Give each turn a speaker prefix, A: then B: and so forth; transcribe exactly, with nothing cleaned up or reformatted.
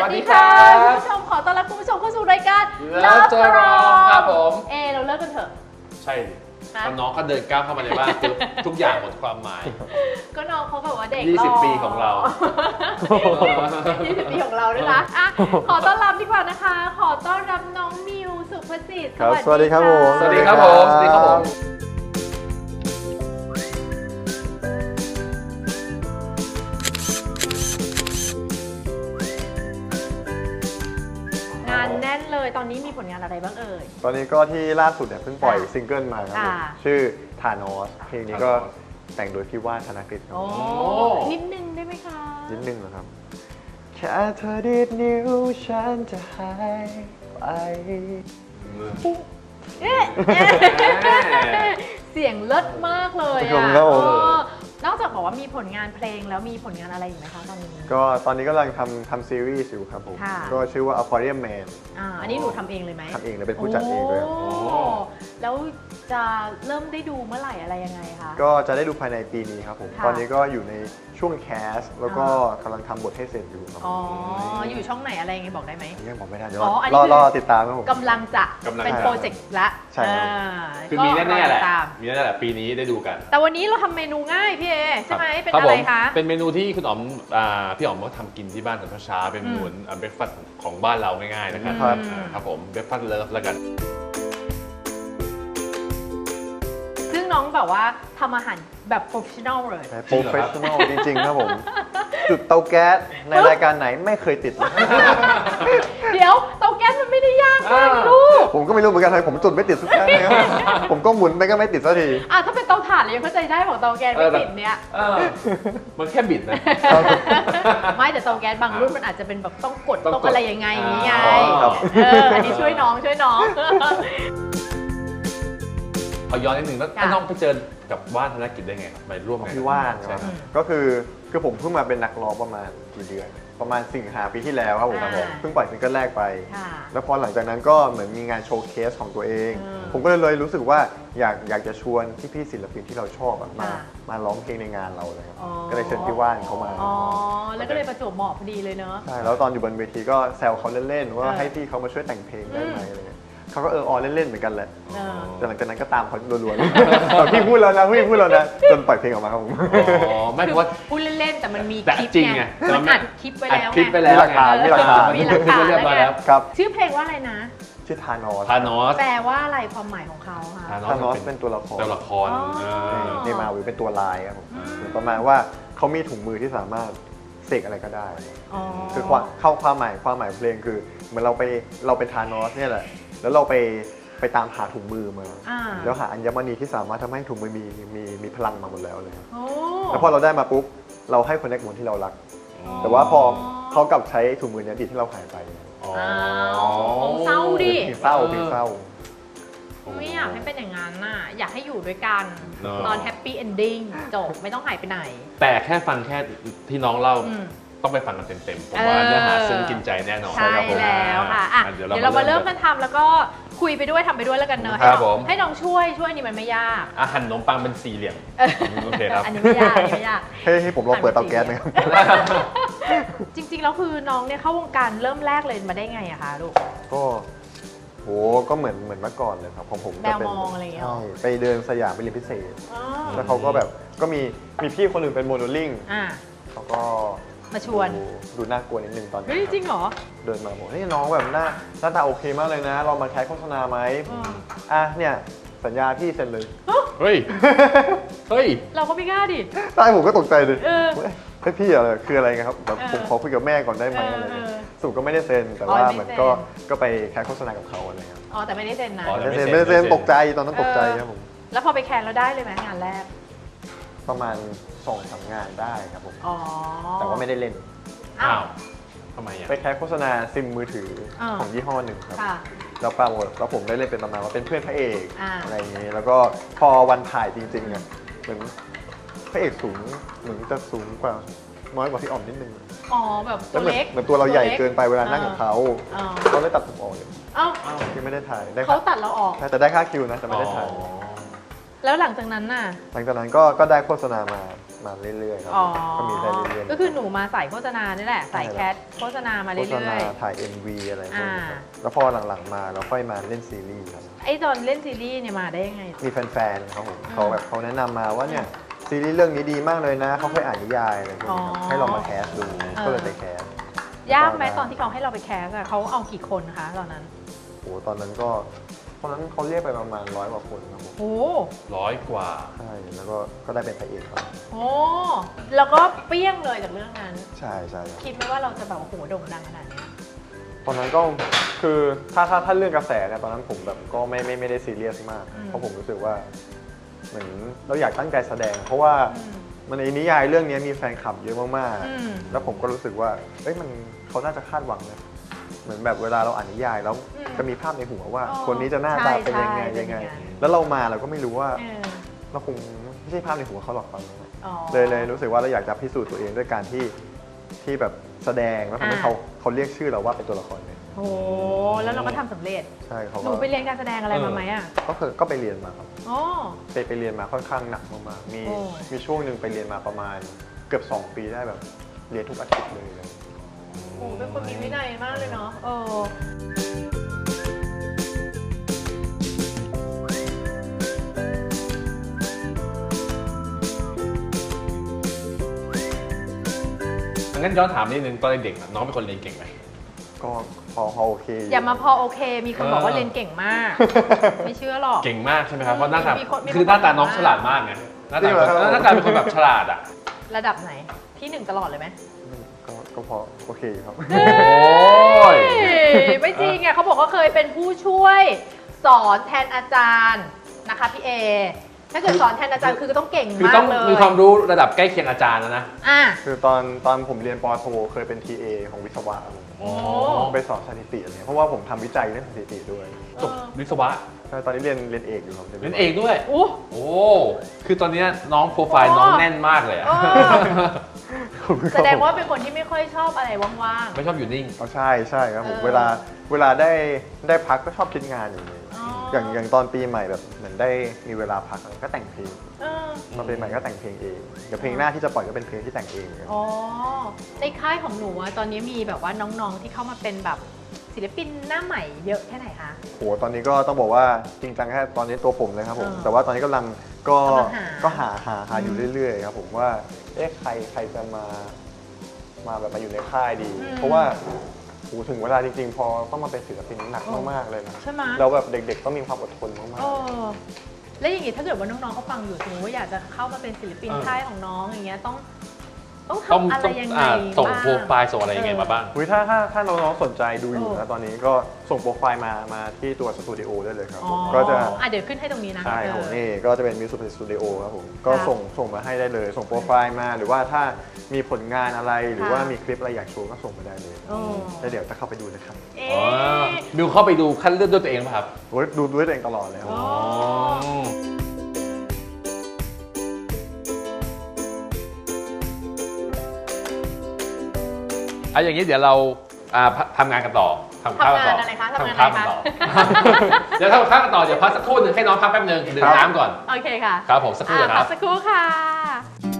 A: วัสดีค่ะคุณผู้ชมขอต้อนรับคุณผู้ชมเข้าสู่รายการ
B: Love Jerome ครับผม
A: เอเราเลิกกันเถอะ
B: ใช่ตอนน้องเขาเดินก้าวเข้ามาในบ้านคือทุกอย่างหมดความหมาย
A: ก็น้องเขาแบบว่าเด็ก
B: ยี่สิบ ปีของเรา
A: ยี่สิบ ปีของเราด้วยนะอ่ะขอต้อนรับดีกว่านะคะ ขอต้อนรับน้องมิวสุภสิทธิ์
C: ครับสวัสดีครับผม
B: สวัสดีครับผมสวัสดีครับผม
A: งานแน่นเลยตอนนี้มีผลงานอะไรบ้างเอ่ย
C: ตอนนี้ก็ที่ล่าสุดเนี่ยเพิ่งปล่อยซิงเกิลมาครับผม
A: อ่า
C: ชื่อทานอสเพลงนี้ก็แต่งโดยพี่ว่านธนกฤษครับ
A: โอ้นิดนึงได้ไหมคะ
C: นิดนึงนะครับ แค่เธอดีดนิ้วฉันจะหายไป
A: เอ๊ะเสียงเลิศมากเลย
C: ขอบ
A: อ่ะ
C: คุณครับผม
A: เออนอกจากบอกว่ามีผลงานเพลงแล้วมีผลงานอะไรอีกไหมคะตอนนี้
C: ก็ตอนนี้กำลังทำทำซีรีส์อยู่ครับผม
A: ค่ะ
C: ก็ชื่อว่า Aquarium Man
A: อ่าอันนี้หนูทำเองเลยไหม
C: ทำเองเลยเป็นผู้จัดเองด้วยครับ
A: โอ้แล้วจะเริ่มได้ดูเมื่อไหร่อะไรยังไงคะ
C: ก็จะได้ดูภายในปีนี้ครับผม
A: ค่ะ
C: ตอนนี้ก็อยู่ในช่วงแคสแล้วก็กำลังทำบทให้เสร็จอยู่ครับ
A: อ๋ออยู่ช่องไหนอะไรยังไงบอกได้ไหม
C: ยังบอกไม่ได้เดี๋ยว
A: อ๋ออันนี้
C: รอ
A: คือ
C: รอติดตามครับผม
A: กำลังจะ
B: กำลัง
A: เป็น
B: จะ
A: โปรเจกต์ละ
C: ใช่ครับ
A: อ่า
B: คือมีแน่ๆแหละ
A: ก็รอติดตาม
B: มีแน่ๆแหละปีนี้ได้ดูกัน
A: แต่วันนี้เราทำเมนูง่ายพี่เอใช่ไหมเป็น
B: คบ
A: อะไร
B: ผม
A: คะ
B: เป็นเมนูที่คุณอ๋อมอ่าพี่อ๋อมก็ทำกินที่บ้านตอนเช้าๆเป็นเมนูเบรคฟาสต์ของบ้านเราง่ายๆนะครับ
C: ครับ
B: อ่าครับผมเบรคฟาสต์เลิฟแล้วกัน
A: ซึ่งน้องแบบว่าทำอาหารแบบโปรเฟชชั่นอลเลย
C: โปรเฟชชั่นอลจริงๆครับผม จุดเตาแก๊สในรายการไหนไม่เคยติด
A: เดี๋ยวเตาแก๊สมันไม่ได้ยากมากลูก
C: ผมก็ไม่รู้เหมือนกันทำไมผมจุดไม่ติดสักครั้งเลยครับผมก็หมุนไปก็ไม่ติดสักที
A: อ่ะถ้าเป็นเตาถ่านเรายังเข้าใจได้บอกเตาแก๊สไม่ติดเนี่ย
B: เออมันแค่บิดนะ
A: ไม่แต่เตาแก๊สบางรุ่นมันอาจจะเป็นแบบต้องกด
B: ต้องกด
A: ต้องอะไรยังไงอย่างนี้ไง
B: อ๋อครับ
A: เอออันนี้ช่วยน้องช่วยน้อง
B: ขอย้อนนิดนึงแล้ว
A: ค่ะ
B: น้องไปเจอกับว่านธนกิจได้ไงครับไปร่วมงาน
C: พี่ว่าน
B: ใช่ครับ
C: ก็คือคือผมเพิ่งมาเป็นนักร้องประมาณกี่เดือน ประมาณสิงหาปีที่แล้วครับผม
A: อ่า
C: เพิ่งปล่อยซิงเกิลแรกไป
A: ค่ะ
C: แล้วพอหลังจากนั้นก็เหมือนมีงานโชว์เคสของตัวเอง
A: อืม
C: ผมก็เลยเลยรู้สึกว่าอยากอยากจะชวนที่พี่ๆศิลปินที่เราชอบอะมา
A: ค่ะ
C: มาร้องเพลงในงานเราเลยครับ
A: อ๋อ
C: ก็เลยเชิญพี่ว่านเขามา
A: อ๋อแล้วก็เลยประจวบเหมาะพอดีเลยเนอะ
C: ใช่แล้วตอนอยู่บนเวทีก็แซวเขาเล่นๆว่า
A: เออ
C: ให้พี่เขามาช่วยแต่งเพลงได้ไหม
A: อืม
C: อะไรเงี้ยเขาก็เออออเล่นๆเหมือนกันแหละ
A: เออ
C: แต่หลังจากนั้นก็ตามเขารัวๆเลย พี่พูดแล้วนะพี่พูดแล้วนะจนปล่อยเพลงออกมาครับผม
B: อ๋อไม่
A: คื
B: เพ
A: อ
B: ราะว่า
A: พูดเล่นๆแต่มันมี
B: แต่
A: คลิป
B: จริง
A: ไง
B: ไง
A: มันอัดคลิปไว้แล้ว
B: อัดคลิป
A: ไง
B: ไปแล้ว
C: มีหลักฐานมีหลักฐาน
A: มีหลักฐาน
B: เรียบร้อย
A: แล้
B: แล้ว ว
C: ครับ
A: ชื่อเพลงว่าอะไรนะ
C: ชื่อทานอส
B: ทานอส
A: แปลว่าอะไรความหมายของเขาคะ
C: ทานอสเป็นตัวละคร
B: ตัวละคร
A: อ๋อ
B: เอ
C: ใน
B: อ
C: ในมาวิเป็นตัวลายครับผม
B: อืม
C: เหมือนประมาณว่าเขามีถุงมือที่สามารถเสกอะไรก็ได้
A: อ๋อ
C: คือความเข้าความหมายความหมายเพลงคือเหมือนเราไปเราเป็นทานอสเนี่ยแหละแล้วเราไปไปตามหาถุงมือมา
A: อ่า
C: แล้วหาอัญมณีที่สามารถทำให้ถุงมือมีมีมีพลังมาหมดแล้วเลยครับ
A: โอ้
C: แล้วพอเราได้มาปุ๊บเราให้คนในกลุ่มที่เรารัก แต่ว่าพอเขากลับใช้ถุงมือเนี้ยดีที่เราหายไป
B: อ๋อ
A: อ้าวคงเศร้าดิ
C: เพลงเศร้าเพลงเศร้า
A: ไม่อยากให้เป็นอย่างนั้นน่ะ อยากให้อยู่ด้วยกัน
B: เนอะ
A: ตอนแฮปปี้เอนดิ้งจบไม่ต้องหายไปไหน
B: แต่แค่ฟังแค่ที่น้องเล่า
A: อืม
B: ต้องไปฟังกันเต็มๆผมว่าเนื้อหาซึ้งกินใจแน่นอน
A: ใช่
B: ครับผม
A: แล้วค่ะอ่ะ
B: อ่
A: เดี๋ยวเรามาเริ่มกันทำแล้วก็คุยไปด้วยทำไปด้วยแล้วกันเนอะให้
B: ครับ
A: น้อง
B: ผม
A: ให้น้องช่วยช่วยนี่มันไม่ยาก
B: อาหารขนมปังเป็นสี่เหลี่ยมโอเคครับ
A: อันนี้ไม่ยากอันนี้ไม่ยาก
C: ให้ให้ผมลองเปิดเตาแก๊สไหมครับ
A: จริงๆแล้วคือน้องเนี่ยเข้าวงการเริ่มแรกเลยมาได้ไงอะคะลูก
C: ก็โหก็เหมือนเหมือนเมื่อก่อนเลยครับของผม
A: แม
C: ก็
A: ว
C: เป็น
A: มองอะไรอย่างเงี้ยหรอ
C: ใช่ไปเดินสยามไปเรียนพิเศษ
A: อ๋อ
C: แล้วเขาก็แบบก็มีมีพี่คนหนึ่งเป็นโมเดลลิ่ง
A: อ่ะ
C: เขาก็
A: มาชวน
C: ดูดูน่ากลัวนิดนึงตอนนั้น
A: เฮ้ยจริงเหรอ
C: เดินมาบอกเฮ้ยน้องแบบหน้าหน้าตาโอเคมากเลยนะ เรามาแคสโฆษณาไหม
A: อืม
C: อ่ะเนี่ยสัญญาพี่เซ็นเลย
B: เฮ้ย เฮ้ย
A: เราก็ไม่กล้าดิ
C: ใช่ผมก็ตกใจเลย
A: เออ
C: เฮ้ยเฮ้ยพี่อะไรคืออะไรครับแบบ
A: เออ
C: ผมขอคุยกับแม่ก่อนได้ไหม
A: เอออ
C: อะไรเงี้ย
A: เออ
C: สรุปก็ไม่ได้เซ็นแต่
A: อ๋อ
C: ว่า
A: ไม่
C: เหมือน
A: เซ็น
C: ก็ก็ไปแคสโฆษณากับเขาอะไรเงี้ย
A: อ๋อแต่ไม่ได้เซ็นนะ
B: อ๋อ
C: ไม่ได้เซ็นไม่ได้เซ็นตกใจตอนนั้นตกใจครับผม
A: แล้วพอไปแคนแล้วได้เลยไหมงานแรก
C: ประมาณสองสามงานได้ครับผม
A: อ๋อ
C: แต่ว่าไม่ได้เล่น
A: อ้า
B: อ้าว วทำไมอ่ะ
C: ไปแคสโฆษณาซิมมือถืออา ของยี่ห้อหนึ่งครับ
A: ค่ะ
C: แล้วปรากฏแล้วผมได้เล่นเป็นประมาณว่าเป็นเพื่อนพระเอก
A: อ่า
C: อะไรอย่างนี้แล้วก็พอวันถ่ายจริงๆอ่ะเหมือนพระเอกสูงเหมือนจะสูงกว่าน้อยกว่าพี่อ่อมนิดนึง
A: อ๋อแบบ
C: แล้
A: ตัว ว
C: เหมือน
A: เล็ก
C: เหมือนตัวเราใหญ่เกินไปเวลานั่งกับเขา
A: อ๋อ
C: เขาเลยตัดผมออกเลย
A: เอ้า
C: ที่ไม่ได้ถ่ายได้
A: เขาตัดเราออก
C: ใช่แต่ได้ค่าคิวนะแต่ไม่ได้ถ่าย
B: อ๋อ
A: แล้วหลังจากนั้นน่ะ
C: หลังจากนั้นก็ก็ได้โฆษณามามาเรื่อยๆครับ
A: อ๋อ
C: ก็มีได้เรื่อยๆ
A: ก็คือหนูมาใส่โฆษณานี่แหละใส่แคสโฆษณามา
C: โฆ
A: เรื่
C: ษณา
A: อย
C: ถ่าย เอ็ม วี อะไรพวกนี้ครับ
A: อ่า
C: แล้วพอหลังๆมาเราค่อยมาเล่นซีรีส์ครับ
A: ๆไอ้ตอนเล่นซีรีส์เนี่ยมาได้ยังไง
C: มีแฟนๆครับผมเขาแบบเขาแนะนำมาว่าเนี่ยซีรีส์เรื่องนี้ดีมากเลยนะเขาเคยอ่านนิยายอะไรพวกนี้ครับ
A: อ๋อ
C: ให้เรามาแคสดู
A: เออ
C: ก็เลยไปแคส
A: ยากไหมตอนที่เขาให้เราไปแคสอะเขาเอากี่คนคะตอนนั้น
C: โอ้ตอนนั้นก็ตอนนั้นเขาเรียกไปประมาณร้อยกว่าคนครับผม
A: โอ้
B: ร้อยกว่า
C: ใช่แล้วก็ก็ได้เป็นพระเอกครับ
A: โหแล้วก็เปรี้ยงเลยจากเรื่องนั้น
C: ใช่ใช่ครับ
A: คิดไหมว่าเราจะแบบโอ้โหโด่งดังขนาดเนี้ย
C: ตอนนั้นก็คือถ้าถ้าถ้าเรื่องกระแสเนี่ยตอนนั้นผมแบบก็ไม่ไม่ไม่ได้ซีเรียสมาก เพราะผมรู้สึกว่าเหมือนเราอยากตั้งใจแสดง เพราะว่า
A: อืม
C: มันในนิยายเรื่องนี้มีแฟนคลับเยอะมาก
A: อืม
C: ๆแล้วผมก็รู้สึกว่าเอ้ยมันเขาน่าจะคาดหวังนะเหมือนแบบเวลาเราอ่านนิยายแล้ว
A: อืม
C: จะมีภาพในหัวว่า
A: อ๋อ
C: คนนี้จะหน้าตาเป็นยังไง
A: ใช่ใช่
C: ยังไง
A: เป็นอย่างนั้น
C: แล้วเรามาเราก็ไม่รู้ว่า
A: เออ
C: เราคงไม่ใช่ภาพในหัวเขาหรอกตอนนั้น
A: อ๋อ
C: เลยเลยรู้สึกว่าเราอยากจะพิสูจน์ตัวเองด้วยการที่ที่แบบแสดงแล้วทำให้
A: อ่า
C: เขาเขาเรียกชื่อเราว่าเป็นตัวละครเนี่ย
A: โหแล้วเราก็ทำสำเร็จ
C: ใช่เขา
A: ห
C: ก็
A: นูไปเรียนการแสดงอะไรมาไหมอ่ะ
C: ก็คือก็ไปเรียนมาครับ
A: อ๋อ
C: ไปไปเรียนมาค่อนข้างหนักมากๆมี
A: โอ้
C: มีช่วงหนึ่งไปเรียนมาประมาณเกือบสองปีได้แบบเรียนทุกอาทิตย์เลย
A: โหเป็นคนมีวินัยมากเลยเนาะเออ
B: งั้นย้อนถามนิดนึงตอนเด็กๆอะน้องเป็นคนเรียนเก่งไหม
C: ก็พอพอโอเค
A: อย่ามาพอโอเค มีคนบอกว่า
B: เออ
A: เรียนเก่งมาก ไม่เชื่อหรอก
B: เก่งมากใช่ไหมครับเพราะหน้าตา
A: มีคนมีคน
B: คือหน้าตาน้องฉลาดมากไงหน้าตาเป็นคนหน้าตาเป็นคนแบบฉลาดอ่ะ
A: ระดับไหน ที่หนึ่งตลอดเลยไหม
C: ก็ก็พอโอเคครับ
B: โอ้ย
A: ไม่จริงอ่ะเขาบอกว่าเคยเป็นผู้ช่วยสอนแทนอาจารย์นะคะพี่เอ ถ้าเกิดสอนแทนอาจารย์คือต้องเก่ง
B: คือ
A: มา
B: ต้อก ง
A: เลย
B: มีความรู้ระดับใกล้เคียงอาจารย์แล้วนะ
A: อ่ะ
C: คือตอนตอนผมเรียนปอโทเคยเป็น ที เอ ของวิศวะครับผม
A: โอ้
C: ไปสอนสถิติอะไรเงี้ยเพราะว่าผมทำวิจัยเรื่องสถิติด้วย
B: จบวิศวะ
C: ใช่ตอนนี้เรียนเรียนเอกอยู่ครับ
B: เรียนเอกด้วย
A: โอ้
B: โอ้ คือตอนเนี้ยน้องโปรไฟล์น้องแน่นมากเลยอะ
A: เออ แสดงว่าเป็นคนที่ไม่ค่อยชอบอะไรว่าง
B: ไม่ชอบอยู่นิ่ง
C: อ๋อใช่ใช่ครับผม
A: เออ
C: เวลาเวลาได้ได้พักก็ชอบคิดงานอย่างนี้
A: ๆอ๋อ
C: อย่างอย่างตอนปีใหม่แบบเหมือนได้มีเวลาพักก็แต่งเพลง
A: เออ
C: ตอนปีใหม่ก็แต่งเพลงเองเดี๋ยวเพลงหน้าที่จะปล่อยก็เป็นเพลงที่แต่งเองเหมือนกัน
A: อ๋อ ในค่ายของหนูอะตอนนี้มีแบบว่าน้องๆที่เข้ามาเป็นแบบศิลปินหน้าใหม่เยอะแค่ไหนคะ
C: โหตอนนี้ก็ต้องบอกว่าจริงจังแค่ตอนนี้ตัวผมเลยครับผม
A: เออ
C: แต่ว่าตอนนี้กำลังก็
A: กำลังหา
C: ก็หาหาหาอยู่
A: อืม
C: เรื่อยๆครับผมว่าเอ๊ะใครใครจะมามาแบบมาอยู่ในค่ายดี
A: อืม
C: เพราะว่าโหถึงเวลาจริงๆ พอต้องมาเป็นศิลปินหนักมากๆเลยนะ
A: ใช่ไหม
C: แล้วแบบเด็กๆต้องมีความอดทนมาก
A: เออแล้วอย่างงี้ถ้าเกิดว่าน้องๆเขาฟังอยู่สมมติว่าอยากจะเข้ามาเป็นศิลปิน
B: เออ
A: ค่ายของน้องอย่างเงี้ยต้อง ต้อง
B: ต้อง
A: ทำอะไร
B: ต้อง
A: ยังไง
B: อ่าส่ง
A: บ้าง
B: โปรไฟล์ส่งอะไรยังไงมาบ้าง
C: ๆอุ๊ยถ้าถ้าถ้าน้องๆสนใจดูอยู่
A: เอ
C: นะ
A: อ
C: ตอนนี้ก็ส่งโปรไฟล์มามาที่ตัวสตูดิโอได้เลยครับ
A: อ๋
C: ผ
A: อ
C: มก็จะ
A: อ่ะเดี๋ยวขึ้นให้ตรงนี้นะ
C: ใช่ครับผม
A: เออ
C: นี่ก็จะเป็นมิวสิกสตูดิโอครับผมก็
A: ครับ
C: ส่งส่งมาให้ได้เลย ส่งโปรไฟล์มาหรือว่าถ้ามีผลงานอะไรหรือ
A: ค่ะ
C: ว่ามีคลิปอะไรอยากโชว์ก็ส่งมาได้เลย
A: เออ
C: แล้วเดี๋ยวจะเข้าไปดูนะครับ
A: เอ๊
B: อ๋อะ มิวเข้าไปดูคัดเลือกด้วยตัวเองป่ะครับ
C: โอ้ยดูด้วยตัวเองตลอดเลยครับ
A: อ๋อ
B: อ่ะอย่างนี้เดี๋ยวเราอ่าพทำงานกันต่อทำข้าวกันต่อ
A: ทำงานอะไรคะทำงาน
B: ข้าว
A: อะไร
B: กัน
A: คะ
B: ต่อ เดี๋ยวทำข้าวกันต่อเดี๋ยวพักสักครู่หนึ่งให้น้องพักแป๊บหนึงดื่มน้ำก่อน
A: โอเคค่ะ
B: ครับผมสักครู่
A: อ่ะ
B: เดี๋ยวค
A: พั
B: รั
A: ก
B: บ
A: สักครู่ค่ะ